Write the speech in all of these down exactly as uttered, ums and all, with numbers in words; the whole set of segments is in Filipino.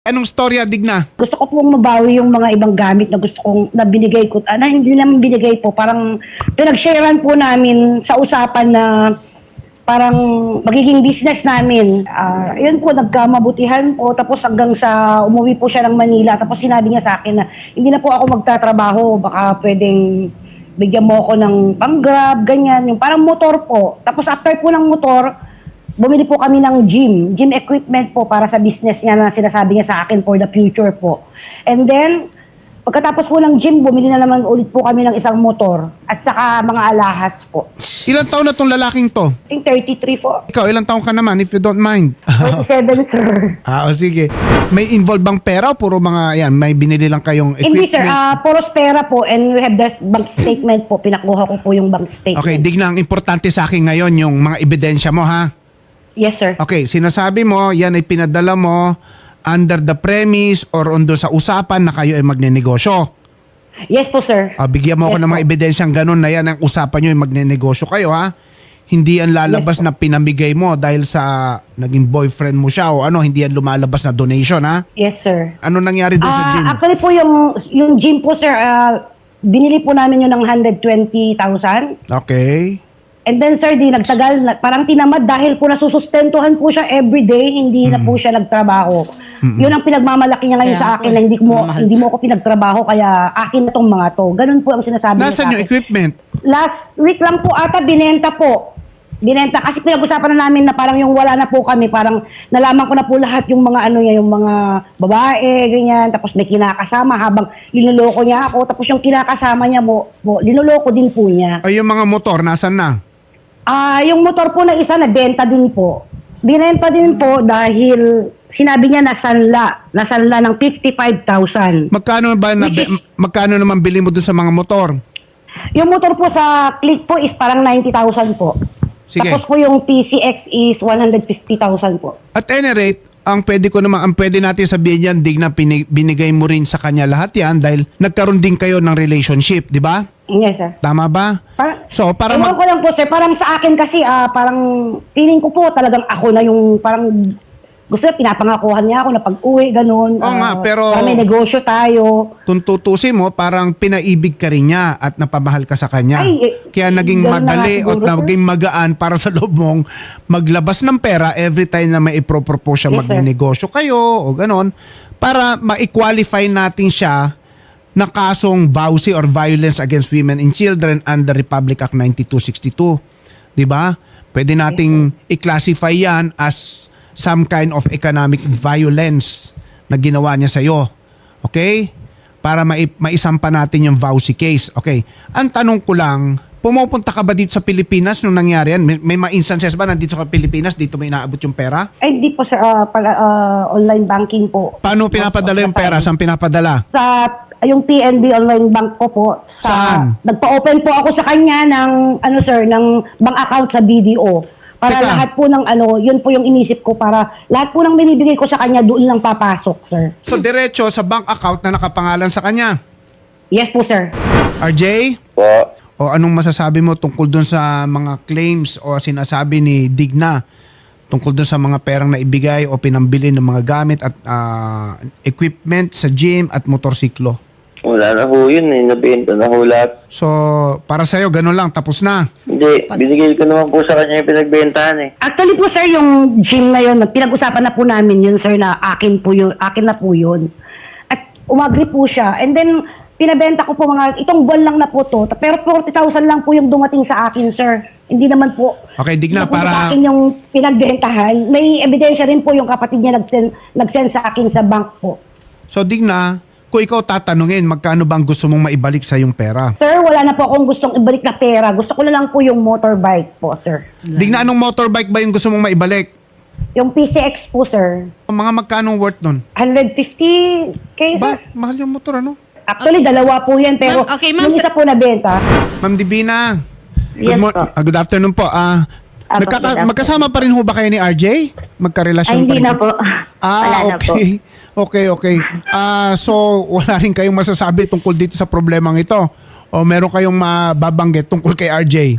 Anong storya, Digna? Gusto ko pong mabawi yung mga ibang gamit na gusto kong na binigay ko. Ah, na hindi naman binigay po. Parang pinag-sharean po namin sa usapan na parang magiging business namin. Ah, yun po, nagkamabutihan po. Tapos hanggang sa umuwi po siya ng Manila. Tapos sinabi niya sa akin na hindi na po ako magtatrabaho. Baka pwedeng bigyan mo ako ng pang-grab, ganyan. Yung parang motor po. Tapos after po ng motor, bumili po kami ng gym, gym equipment po para sa business niya na sinasabi niya sa akin for the future po. And then, pagkatapos po ng gym, bumili na naman ulit po kami ng isang motor at saka mga alahas po. Ilang taon na tong lalaking to? I think thirty-three po. Ikaw, ilang taon ka naman if you don't mind? thirty-seven, sir. Ah, o sige. May involved bang pera o puro mga, yan, may binili lang kayong equipment? Hindi, sir. Uh, puros pera po and we have the bank statement po. Pinakuha ko po yung bank statement. Okay, Digna, ang importante sa akin ngayon yung mga ebidensya mo, ha? Yes, sir. Okay, sinasabi mo, yan ay pinadala mo under the premise or under sa usapan na kayo ay magnenegosyo. Yes po, sir. Ah, bigyan mo ako Yes ng mga po. ebidensyang ganun na yan ang usapan nyo ay magnenegosyo kayo, ha? Hindi yan lalabas Yes po. na pinamigay mo dahil sa naging boyfriend mo siya o ano, hindi yan lumalabas na donation, ha? Yes, sir. Ano nangyari doon sa Ah, gym? actually po yung, yung gym po, sir, ah, binili po namin yun ng one hundred twenty thousand. Okay. And then, sir, di nagtagal, na- parang tinamad dahil po nasusustentuhan po siya everyday, hindi na po siya nagtrabaho. Yun ang pinagmamalaki niya ngayon Kaya sa po akin eh, na hindi mo, mamahal. hindi mo ako pinagtrabaho, kaya akin na tong mga to. Ganun po ang sinasabi niya sa Nasaan yung akin. equipment? Last week lang po ata, binenta po. Binenta kasi pinag-usapan na namin na parang yung wala na po kami, parang nalaman ko na po lahat yung mga ano niya, yung mga babae, ganyan, tapos may kinakasama habang linuloko niya ako, tapos yung kinakasama niya mo, mo linuloko din po niya. Ay, yung mga motor, nasan na? Ah, yung motor po ng isa nabenta din po. Binenta din po dahil sinabi niya nasanla, nasanla ng fifty-five thousand. Magkano ba na, Which is- magkano naman bili mo doon sa mga motor? Yung motor po sa Click po is parang ninety thousand po. Sige. Tapos po yung P C X is one hundred fifty thousand po. At any rate, ang pwede ko naman, ang pwede natin sabihin yan, Digna, pinig- binigay mo rin sa kanya lahat yan dahil nagkaroon din kayo ng relationship, di ba? Yes, sir. Tama ba? Parang, So, para ewan mag- ko lang po, sir. Parang sa akin kasi, ah, parang feeling ko po talagang ako na yung parang gusto niya, pinapangakuhan niya ako na pag-uwi, ganun. Oo nga, ah, pero- para may negosyo tayo. kung tutusin mo, parang pinaibig ka rin niya at napamahal ka sa kanya. Ay, eh, Kaya naging ganun na nga madali siguro, o sir. naging magaan para sa loob mong maglabas ng pera every time na may ipropropose siya Yes, sir. magnenegosyo kayo o ganon para ma-qualify natin siya na kasong vowsy or violence against women and children under Republic Act ninety-two sixty-two. Di ba? Pwede nating i-classify yan as some kind of economic violence na ginawa niya sa'yo. Okay? Para mai- maisampa natin yung vowsy case. Okay. Ang tanong ko lang, pumupunta ka ba dito sa Pilipinas nung nangyari yan? May, may mga instances ba nandito sa Pilipinas, dito may inaabot yung pera? Ay, hindi po, sir. ah, pala, ah, online banking po. Paano pinapadala yung pera? Saan pinapadala? Sa yung P N B online bank ko po. Sa, Saan? Nagpa-open po ako sa kanya ng, ano sir, ng bank account sa B D O. Para Teka. lahat po ng ano, yun po yung inisip ko para lahat po ng binibigay ko sa kanya doon lang papasok, sir. So, diretso sa bank account na nakapangalan sa kanya. Yes po, sir. R J? Po. O anong masasabi mo tungkol dun sa mga claims o sinasabi ni Digna tungkol dun sa mga perang naibigay o pinambili ng mga gamit at ah, equipment sa gym at motorsiklo? Wala na ho yun eh. Nabenta na ho lahat. So, para sa'yo, ganun lang, tapos na. Hindi, binigay ko naman po sa kanya yung pinagbentahan eh. Actually po, sir, yung gym na yun, pinag-usapan na po namin yun, sir, na akin po yun, akin na po yun. At umagri po siya. And then, pinabenta ko po mga, itong buwan lang na po to, pero forty thousand lang po yung dumating sa akin, sir. Hindi naman po. Okay, Digna, Hindi po para- sa akin yung pinagbentahan. May ebidensya rin po yung kapatid niya nag-send, nag-send sa akin sa bank po. So, Digna, kung ikaw tatanungin, magkano bang gusto mong maibalik sa yung pera? Sir, wala na po akong gustong ibalik na pera. Gusto ko na lang po yung motorbike po, sir. Digna, anong motorbike ba yung gusto mong maibalik? Yung P C X po, sir. Mga magkanong worth nun? one hundred fifty K, sir. Ba, mahal yung motor, ano? Actually, dalawa po yan, pero Ma'am, okay, ma'am, yung sa- isa po nabenta. Ma'am Divina, good, Yes mo- po. ah, good afternoon po. Ah, Ah, nagkaka- good afternoon. magkasama pa rin ho ba kayo ni R J? Magkarelasyon Ay, pa hindi rin? na po. Ah, Wala na po. okay. Okay, okay. Ah, so wala rin kayong masasabi tungkol dito sa problemang ito? O meron kayong mababanggit tungkol kay R J?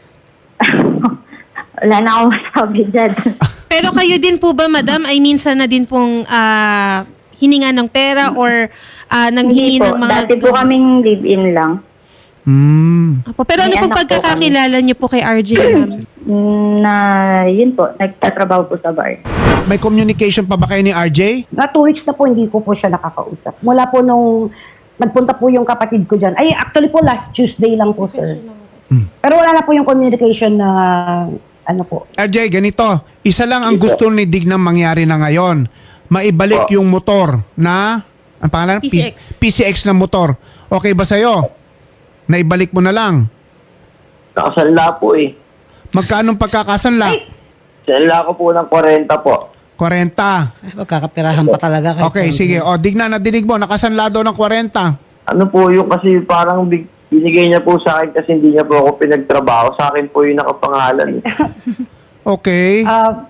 Wala na akong masabi dyan. Pero kayo din po ba, madam, ay minsan na din pong ah, hininga ng pera or ah, nanghingi Hindi po. ng mga... Dati po kaming live-in lang. Hmm. Apo, pero ano May pong anak po pagkakakilala niyo po kay R J, ma'am? Na, yun po, nagtatrabaho po sa bar. May communication pa ba kayo ni R J? Na two weeks na po hindi ko po siya nakakausap. Mula po nung nagpunta po yung kapatid ko dyan. Ay, actually po last Tuesday lang po, sir. Pero wala na po yung communication na ano po. R J, ganito. Isa lang ang gusto ni Dignam mangyari na ngayon. Maibalik yung motor na, ang pangalan? P C X. P C X na motor. Okay ba sa'yo? Naibalik mo na lang. Nakasanla po eh. Magkano pagkakasanla? Sanla ko po ng forty po. forty. Ay, magkakapirahan pa talaga. kahit Okay, saan- sige. O, Digna, nadinig mo. Nakasanla daw ng forty. Ano po yung kasi parang big, binigay niya po sa akin kasi hindi niya po ako pinagtrabaho. Sa akin po yung nakapangalan. eh. Okay. Ah,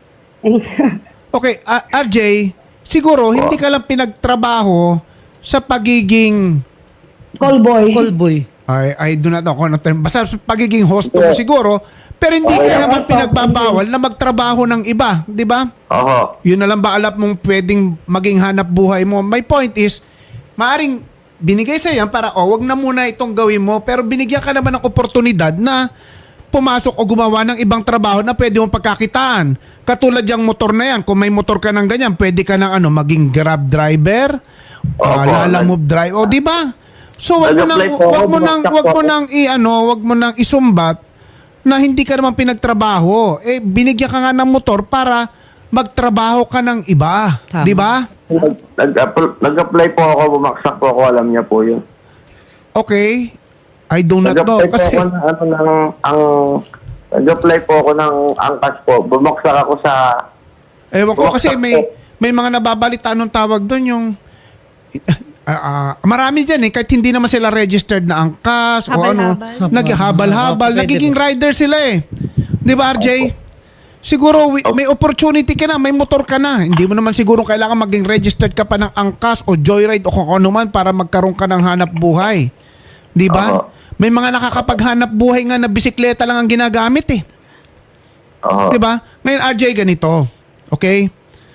Okay, ah, R J, siguro hindi ka lang pinagtrabaho sa pagiging call boy. Call boy. I, I do not know kung ano term. Basta sa pagiging host mo siguro, pero hindi ka naman pinagbabawal na magtrabaho ng iba, di ba? Oho. Yun na lang ba alam mong pwedeng maging hanap buhay mo? My point is, maaring binigay sa yan para, oh, wag na muna itong gawin mo, pero binigyan ka naman ng oportunidad na pumasok o gumawa ng ibang trabaho na pwede mong pagkakitaan. Katulad yung motor na yan, kung may motor ka ng ganyan, pwede ka ng ano, maging grab driver, uh, Opo. lala move drive, o di ba? So wag mo nang Nag-apply po ako, wag mo nang bumagsak wag po mo ako. nang i-ano, wag mo nang isumbat na hindi ka naman pinagtrabaho. Eh binigyan ka nga ng motor para magtrabaho ka ng iba, Tama. di ba? Nag- nag-apply nag-apply po ako, bumaksak po ako, alam niya po yun. Okay. I do not know Nag-apply po kasi ako ng, ano, ng, ang, nag-apply po ako ng angkas po. Bumaksak ako sa, ewan ko kasi Bumaksak may po. may mga nababalita nung tawag doon yung ah, ah, marami dyan eh, kahit hindi naman sila registered na angkas o ano, Habal-habal. naghabal-habal, Pwede nagiging po. rider sila eh. Di ba R J? Siguro wi- may opportunity ka na, may motor ka na. Hindi mo naman siguro kailangan maging registered ka pa ng angkas o joyride o kung ano man para magkaroon ka ng hanap buhay. Di ba? Oo. May mga nakakapaghanap buhay nga na bisikleta lang ang ginagamit eh. oho. 'Di ba? Ngayon R J ganito. Okay?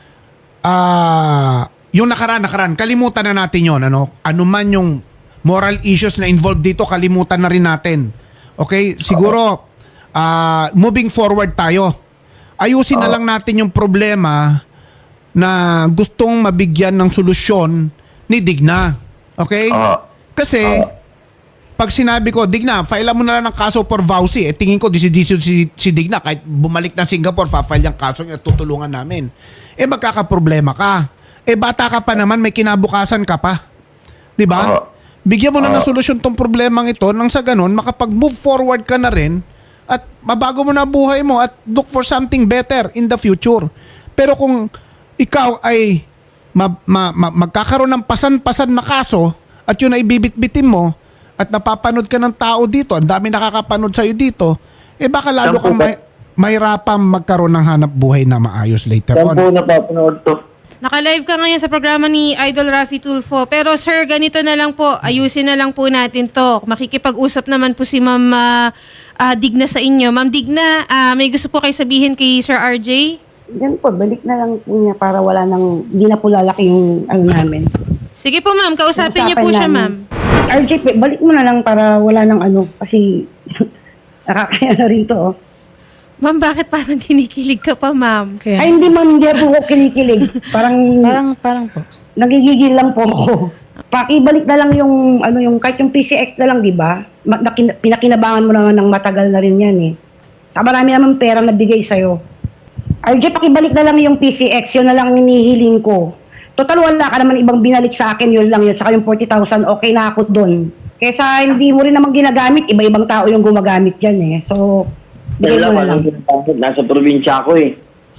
Ah, yung nakaraan, nakaraan, kalimutan na natin 'yon, ano? Ano man yung moral issues na involved dito, kalimutan na rin natin. Okay? Siguro ah, moving forward tayo. Ayusin na lang natin yung problema na gustong mabigyan ng solusyon ni Digna. Okay? Oo. Kasi pag sinabi ko, Digna, file mo na lang ng kaso for vowsy. Eh, tingin ko, disidisyo si, si Digna. Kahit bumalik ng Singapore, fa-file yung kaso niya, tutulungan namin. Eh, magkakaproblema ka. Eh, bata ka pa naman, may kinabukasan ka pa. Di ba? Oo. Bigyan mo na ng Oo. solusyon tong problemang ito nang sa ganun, makapag-move forward ka na rin at mabago mo na buhay mo at look for something better in the future. Pero kung ikaw ay ma- ma- ma- magkakaroon ng pasan-pasan na kaso at yun ay bibit-bitin mo at napapanood ka ng tao dito, ang dami nakakapanood sa'yo dito, eh baka lalo Saan po kang ba- may, mahirapang magkaroon ng hanap buhay na maayos later Saan po on. napapanood to? Naka-live ka ngayon sa programa ni Idol Raffy Tulfo. Pero sir, ganito na lang po. Ayusin na lang po natin to. Makikipag-usap naman po si Ma'am ah, ah, Digna sa inyo. Ma'am Digna, ah, may gusto po kayo sabihin kay Sir R J? Yan po, balik na lang po niya para wala nang, hindi na po lalaki yung ano namin. Sige po ma'am, kausapin niyo po Usapan siya namin. ma'am. R J, balik mo na lang para wala nang ano, kasi nakakaya na rin to. Oh. Ma'am, bakit parang kinikilig ka pa ma'am? Kaya, Ay, hindi man, hindi po ako kinikilig. Parang, parang, parang po. nagigigil lang po ako. Pakibalik na lang yung, ano yung, kahit yung P C X na lang, di ba? Ma- nakin- pinakinabangan mo naman ng matagal na rin yan eh. Sa marami naman pera na bigay sa'yo. R J, pakibalik na lang yung P C X, yun na lang hinihiling ko. Total, wala ka naman ibang binalik sa akin, yun lang yun. Saka yung forty thousand, okay na ako doon. Kesa hindi mo rin naman ginagamit, iba-ibang tao yung gumagamit dyan eh. So, bigay Kaya mo na lang, lang. anong nasa probinsya ako eh.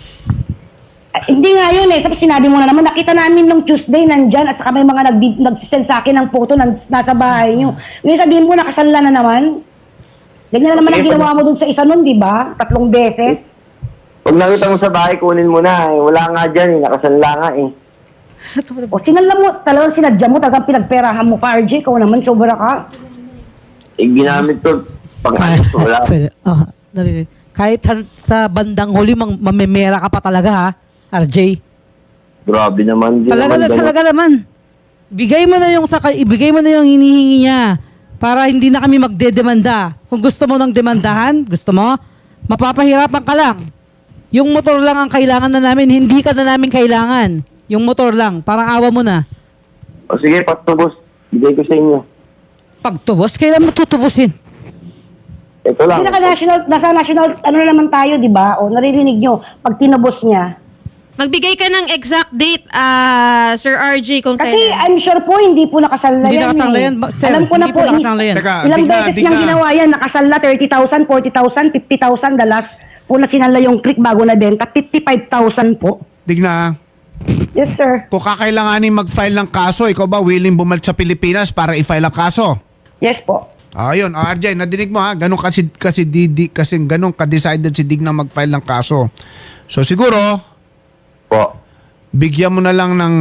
Ah, hindi nga yun eh. Tapos sinabi mo na naman, nakita namin nung Tuesday nandyan at saka may mga nag nagsisend sa akin ng photo na nasa bahay nyo. Ngayon sabihin mo, nakasanla na naman. Ganyan na naman ang Okay, ginawa mo dun sa isa nun, di ba? Tatlong beses. Pag nakita mo sa bahay, kunin mo na eh. Wala nga dyan eh, nakasanla nga eh. O sinala mo, talagang sinadya mo, talagang pinagperahan mo pa, R J. Ikaw naman, sobra ka. Eh, ginamit ko, pang Kaya, wala. pwede, oh, narinig. Kahit han- sa bandang huli, mang, mamemera ka pa talaga ha, R J. Grabe naman. Di Talaga, naman ganun. talaga naman. Bigay mo na yung saka, ibigay mo na yung hinihingi niya para hindi na kami magdedemanda. Kung gusto mo ng demandahan, gusto mo, mapapahirapan ka lang. Yung motor lang ang kailangan na namin, hindi ka na namin kailangan. Yung motor lang, parang awa mo na. O sige, patubos. Bigay ko sa inyo. Pagtubos, kailan mo tutubusin? Ito lang. Kasi naka-national, nasa national, ano na naman tayo, di ba? O, naririnig nyo, pag tinubos niya. Magbigay ka ng exact date, ah Sir R J, kung Kasi kailan. I'm sure po, hindi po nakasala Hindi yan. nakasala eh. yan, ba- sir, Alam ko na hindi po po, nakasala yan. Teka, ilang Digna, beses Digna. niyang ginawa yan. Nakasala thirty thousand, forty thousand, fifty thousand. The last po na sinala yung click bago na benta, fifty-five thousand po. Digna, Yes, sir. kung kakailanganin mag-file ng kaso, ikaw ba willing bumalik sa Pilipinas para i-file ang kaso? Yes po. Ayun, oh, R J, nadinig mo ha, ganun kasi kasi Didi kasi ganun ka-decided si Digna mag-file ng kaso. So siguro, Po. bigyan mo na lang ng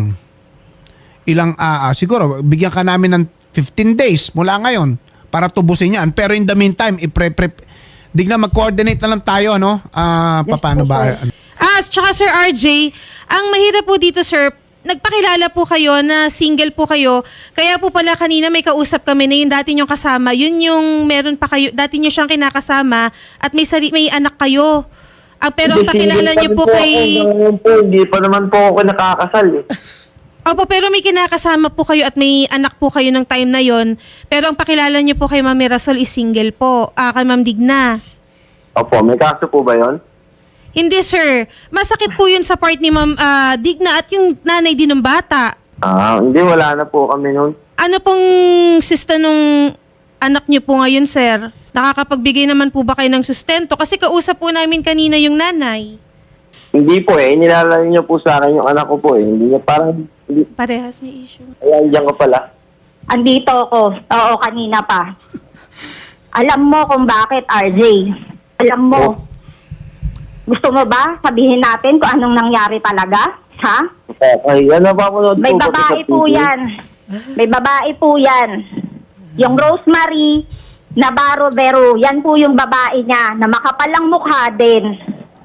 ilang ah, ah, siguro bigyan ka namin ng fifteen days mula ngayon para tubusin yan. Pero in the meantime, i-prep Digna, mag-coordinate na lang tayo, ano? Ah, Yes paano po, ba? sir. Ah, tsaka Sir R J, ang mahirap po dito, sir, nagpakilala po kayo na single po kayo. Kaya po pala kanina may kausap kami na yung dati niyong kasama. Yun yung meron pa kayo, dati niyo siyang kinakasama at may, sari, may anak kayo. Ah, pero ang Hindi, pakilala single niyo pa po rin kay... ako. Ngayon po, hindi pa naman po ako nakakasal eh. Opo, pero may kinakasama po kayo at may anak po kayo ng time na yon. Pero ang pakilala niyo po kay Ma'am Mirasol is single po. Ah, kay Ma'am Digna. Opo, may kaso po ba yon? Hindi, sir. Masakit po yun sa part ni Ma'am ah, Digna at yung nanay din ng bata. Ah, hindi, wala na po kami noon. Ano pong sista nung anak niyo po ngayon, sir? Nakakapagbigay naman po ba kayo ng sustento? Kasi kausap po namin kanina yung nanay. Hindi po eh, nilalaro niyo po sa akin yung anak ko po eh. Hindi niya parang, hindi, Parehas may issue. ayan, diyan ka pala. Andito ako. Oo, kanina pa. Alam mo kung bakit, R J. Alam mo. Oh. Gusto mo ba sabihin natin kung anong nangyari talaga? Ha? Okay, yan na pa po. May babae po yan. May babae po yan. Yung Rosemary Navarro Vero, yan po yung babae niya na makapalang mukha din.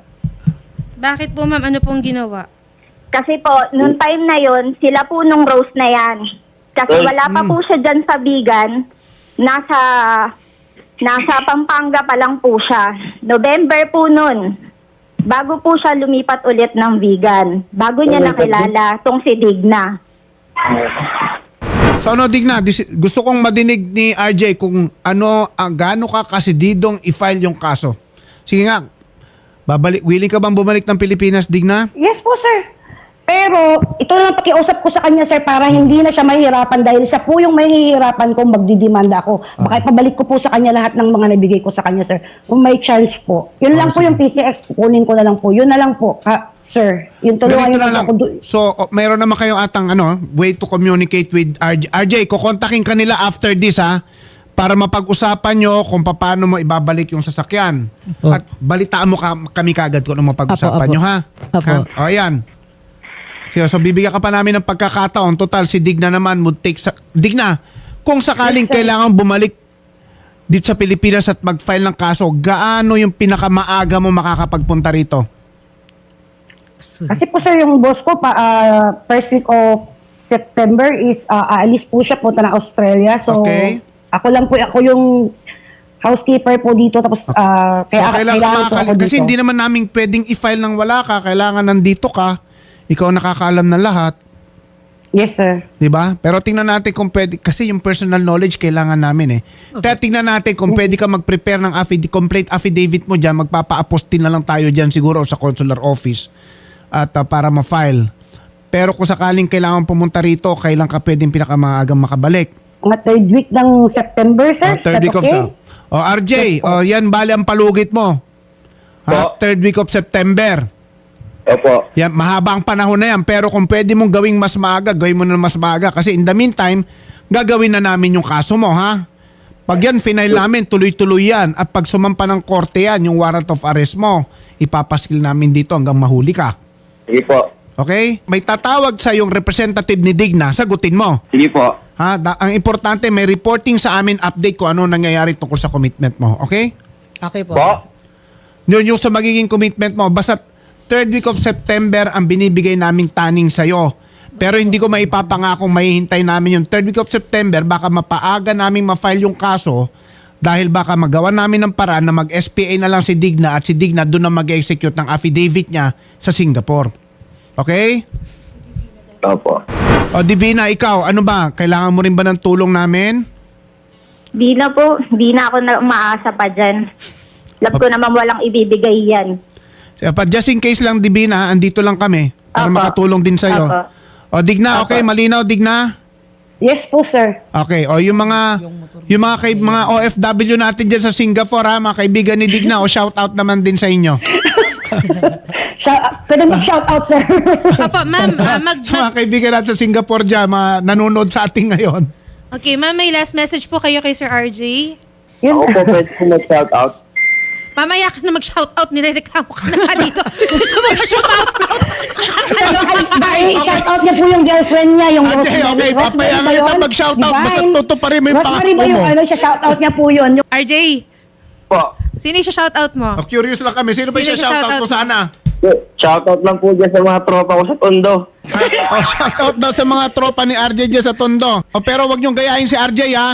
Bakit po, ma'am? Ano pong ginawa? Kasi po, nung time na yon, sila po nung Rose na yan. Kasi Ay, wala pa po siya dyan sa Bigan. Nasa, nasa Pampanga pa lang po siya. November po nun. Bago po siya lumipat ulit ng Bigan. Bago niya nakilala tong si Digna. So ano, Digna, dis- gusto kong madinig ni R J kung ano, ang gaano ka kasididong i-file yung kaso. Sige nga, babalik, willing ka bang bumalik ng Pilipinas, Digna? Yes po, sir. Pero, ito na lang pakiusap ko sa kanya, sir, para hindi na siya mahihirapan dahil siya po yung mahihirapan kung magdidemanda ako. Baka ipabalik ko po sa kanya lahat ng mga nabigay ko sa kanya, sir. Kung may chance po. Yun lang po yung P C X, kukunin ko na lang po. Yun na lang po, ha, sir. Yung tulungan Ganito yun na lang. ako. do- So, oh, mayroon naman kayong atang ano, way to communicate with R J. R J, kukontakin ka nila after this, ha? Para mapag-usapan nyo kung paano mo ibabalik yung sasakyan. Opo. At balitaan mo ka, kami kagad kung ano mapag-usapan Apo, apo. nyo, ha? Apo. Ha? O, ayan. So, so, bibigyan ka pa namin ng pagkakataon. Total, si Digna naman would take sa... Digna, kung sakaling kailangan bumalik dito sa Pilipinas at mag-file ng kaso, gaano yung pinakamaaga mo makakapagpunta rito? Kasi po, sir, yung boss ko, pa, ah, first week of September is ah, aalis po siya, punta na Australia. So, Okay. ako lang po, ako yung housekeeper po dito. Tapos, ah, So, kaya kailangan kailangan po makakali- ako kasi dito. hindi naman namin pwedeng i-file ng wala ka. Kailangan nandito ka. Ikaw nakakaalam ng lahat. Yes, sir. 'Di ba? Pero tingnan natin kung pwede. Kasi yung personal knowledge kailangan namin eh. Kaya tingnan natin kung pwede ka mag-prepare ng affidavit, complete affidavit mo dyan. Magpapa-apostil na lang tayo dyan siguro sa consular office. At uh, para ma-file. Pero kung sakaling kailangan pumunta rito, kailan ka pwedeng pinakamaagang makabalik? Mga third week ng September, sir. Oh, third Is week that of okay? Sep- Oh, R J, oh, yan bali ang palugit mo. Ha? Po. Third week of September. Opo. Yan, mahaba ang panahon na yan. Pero kung pwede mong gawing mas maaga, gawin mo na mas maaga. Kasi in the meantime, gagawin na namin yung kaso mo, ha? Pag yan, final namin, tuloy-tuloy yan. At pag sumampa ng korte yan, yung warrant of arrest mo, ipapaskil namin dito hanggang mahuli ka. Sige po. Okay? May tatawag sa yung representative ni Digna, sagutin mo. Sige po. Ha? Da- ang importante, may reporting sa amin, update ko ano nangyayari tungkol sa commitment mo. Okay? Okay po. Po? Yun yung sa magiging commitment mo, basta third week of September ang binibigay naming taning sa'yo. Pero hindi ko maipapangakong mahihintay namin yung third week of September. Baka mapaaga naming ma-file yung kaso dahil baka magawa namin ng paraan na mag-S P A na lang si Digna at si Digna doon na mag-execute ng affidavit niya sa Singapore. Okay? Opo. O Divina, ikaw, ano ba? Kailangan mo rin ba ng tulong namin? Di na po, di na ako na umaasa pa dyan. Lab ko naman walang ibibigay yan. Kaya pa, just in case lang, Divina, andito lang kami para Apo. makatulong din sa'yo. Apo. O Digna, okay, Apo. malinaw, Digna? Yes po, sir. Okay, o yung mga yung mga kay, mga O F W natin diyan sa Singapore ha, mga kaibigan ni Digna, o shout out naman din sa inyo. Shout, pwede mag-shout out, sir. Opo, ma'am, ah, mag, Sa mga kaibigan natin sa Singapore diyan, mga nanonood sa ating ngayon. Okay, ma'am, may last message po kayo kay Sir R J. Yun. Ako po pwede po mag-shout out. Mamaya ka na mag-shoutout, nirereklamo ka na nga dito. Gusto mo ka shoutout? Ay, shout out niya po yung girlfriend niya, yung Okay, Rosemary. okay, Rosemary papayangan ba kita yun? mag-shout out, Divine. basta tutuparin mo yung Rosemary ba pangako yung mo. ano, siya shout out niya po yun. Yung R J, Po. sino yung shoutout mo? O, curious lang kami, sino ba Sino siya yung shout out shoutout ko mo? sana? Shout out lang po dyan sa mga tropa ko sa Tondo. O, shout out daw sa mga tropa ni R J diyan sa Tondo. O, pero wag niyong gayahin si R J ha.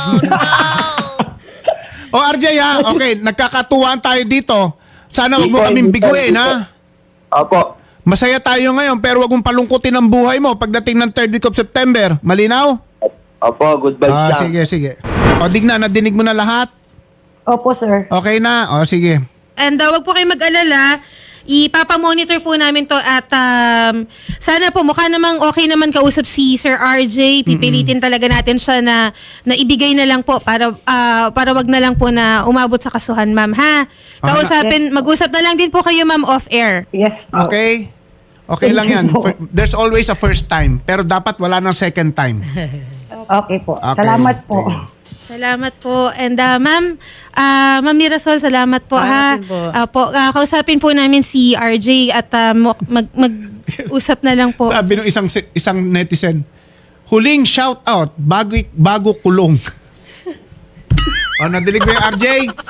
O R J ha, okay, nagkakatuwaan tayo dito. Sana wag mo kaming biguin ha. Opo. Masaya tayo ngayon pero wag mong palungkutin ang buhay mo pagdating ng third week of September. Malinaw? Opo, good vibes Ah, lang. sige, sige. O Digna, nadinig mo na lahat? Opo, sir. Okay na? O sige. And uh, wag po kayo mag-alala. Ipapamonitor po namin to at um, sana po mukha namang okay naman kausap si Sir R J. Pipilitin talaga natin siya na, na ibigay na lang po para ah, para wag na lang po na umabot sa kasuhan, ma'am, ha? Kausapin, mag-usap na lang din po kayo, ma'am, off-air. Yes po. Okay? Okay lang yan. Fir- There's always a first time pero dapat wala ng second time. Okay po. Okay. Salamat po. Okay. Salamat po. And uh, ma'am, uh, ma'am Mirasol, salamat po, ha? Salamat din po. Ah, po, ah, kausapin po namin si R J at uh, mo- mag, mag-usap na lang po. Sabi ng isang isang netizen, huling shout out bago bago kulong. O, nadilig mo yung R J?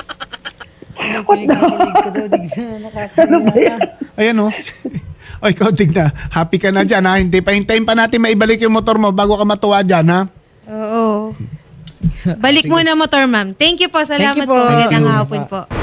Ayan o. O, ikaw Digna, happy ka na dyan ha. Hindi pa, hintayin pa natin maibalik yung motor mo bago ka matuwa dyan ha. Oo. Balik muna motor, ma'am. Thank you po. Salamat Thank you po. po. Magandang Thank you. hapon po.